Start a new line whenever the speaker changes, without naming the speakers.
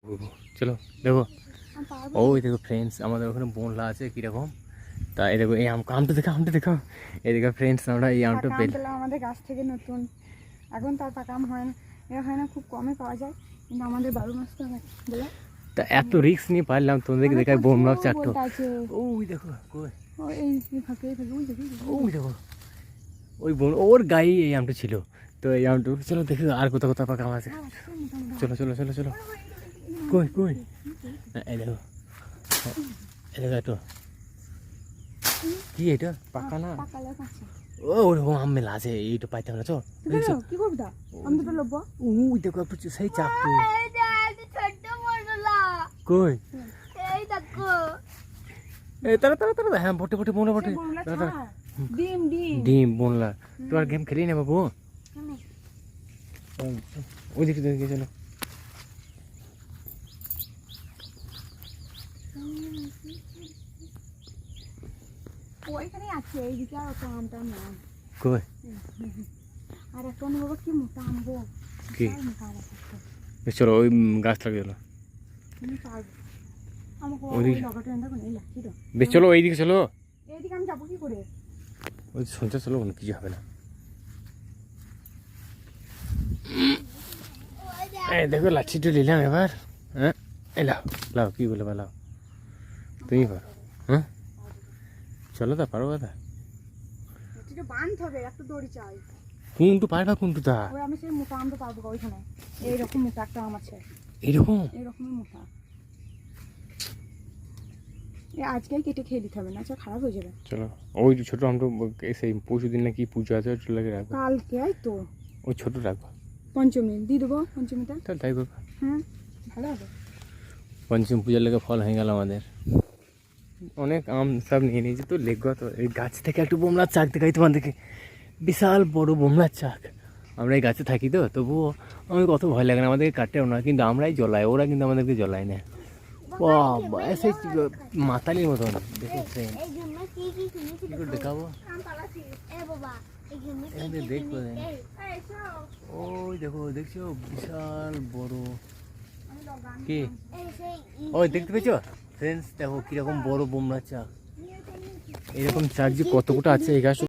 চলো দেখো, ওই দেখো ফ্রেন্ডস আমাদের ওখানে বোনলা আছে কিরকম। তা এই দেখো এই আমটা দেখো এই দেখো ফ্রেন্ডস আমরা এই আমটা
পেলাম আমাদের গাছ থেকে নতুন। এখন তার পাকা আম হয় না, খুব কমে পাওয়া যায়, কিন্তু আমাদের 12 মাস তো হয় বলে।
তা এত রিস্ক নিয়ে পারলাম তোমাদেরকে দেখায় বোমলা চারটো। ওই দেখো কই ওই দেখো ওই বোন ওর গায়ে এই আমটা ছিল। তো এই আমটা চলো দেখো আর কোথাও পাকা আম আছে। চলো চলো চলো চলো কই কই এই দেখো একটু কি এটা পাকা না ও ওরকম আম মেলা আছে এইটা পাইতে হবে না। চল
কি করবি তা আমি তো লব
ওই দেখো একটু সেই চাপটো কই
এই দেখো
এই তারা তারা তারা হ্যাঁ বটে বটে বোনা বটে
ডিম ডিম
ডিম বোনলা। তোমার গেম খেলি না বাবু ওই দিকে চলো।
ওইখানে আছে এইদিকে আর একটা আমটা না
কই
আর একটা বাবা কি মোটা আম গো
কি চলো ওই গাছ লাগে চলো বেশ চলো এইদিকে চলো।
এইদিকে আমি যাবো কি করে?
ওই সঞ্চয় চলো কোনো কিছু হবে না। এই দেখো লাঠিটা নিলাম এবার। হ্যাঁ এলাও লাও কি বলে লাও তুমি পারো। হ্যাঁ চলো তা পারো কথা
বাঁধতে হবে, একটা দড়ি চাই।
কোনটু পারবা কোনটু তা
আমি সেই মোটা আমটা পারবো ওইখানে। এইরকম মোটা একটা আম আছে এইরকমই মোটা। আজকেই কেটে খেয়ে দিতে হবে না, আচ্ছা খারাপ হয়ে যাবে।
চলো ওই ছোট আমটা সেই পরশু দিন নাকি পুজো আছে ওটা লাগে রাখবো
কালকে তো
ওই ছোট রাখবো
পঞ্চমী দিয়ে দেবো পঞ্চমীটা
তাহলে তাই করবো।
হ্যাঁ ভালো হবে।
পঞ্চমী পূজার লেগে ফল হয়ে গেল আমাদের অনেক আম সব নিয়ে নিয়েছি। তো লেগো তো এই গাছ থেকে একটু বোমলার চাক দেখাই তোমাদেরকে, বিশাল বড় বোমলার চাক। আমরা এই গাছে থাকি তো তবুও আমাদের কত ভয় লাগে না, আমাদেরকে কাটেও না, কিন্তু আমরাই জ্বলাই, ওরা কিন্তু আমাদেরকে জ্বলায় না। সেই মাতালির মতন দেখো ফ্রেন্ড দেখাবো দেখবো। ওই দেখো দেখছো বিশাল বড় কি ওই দেখতে পেয়েছো ফ্রেন্ডস? দেখো কিরকম বড় বোমলার চাক, এরকম চাক যে কত গোটা আছে এই গাছ।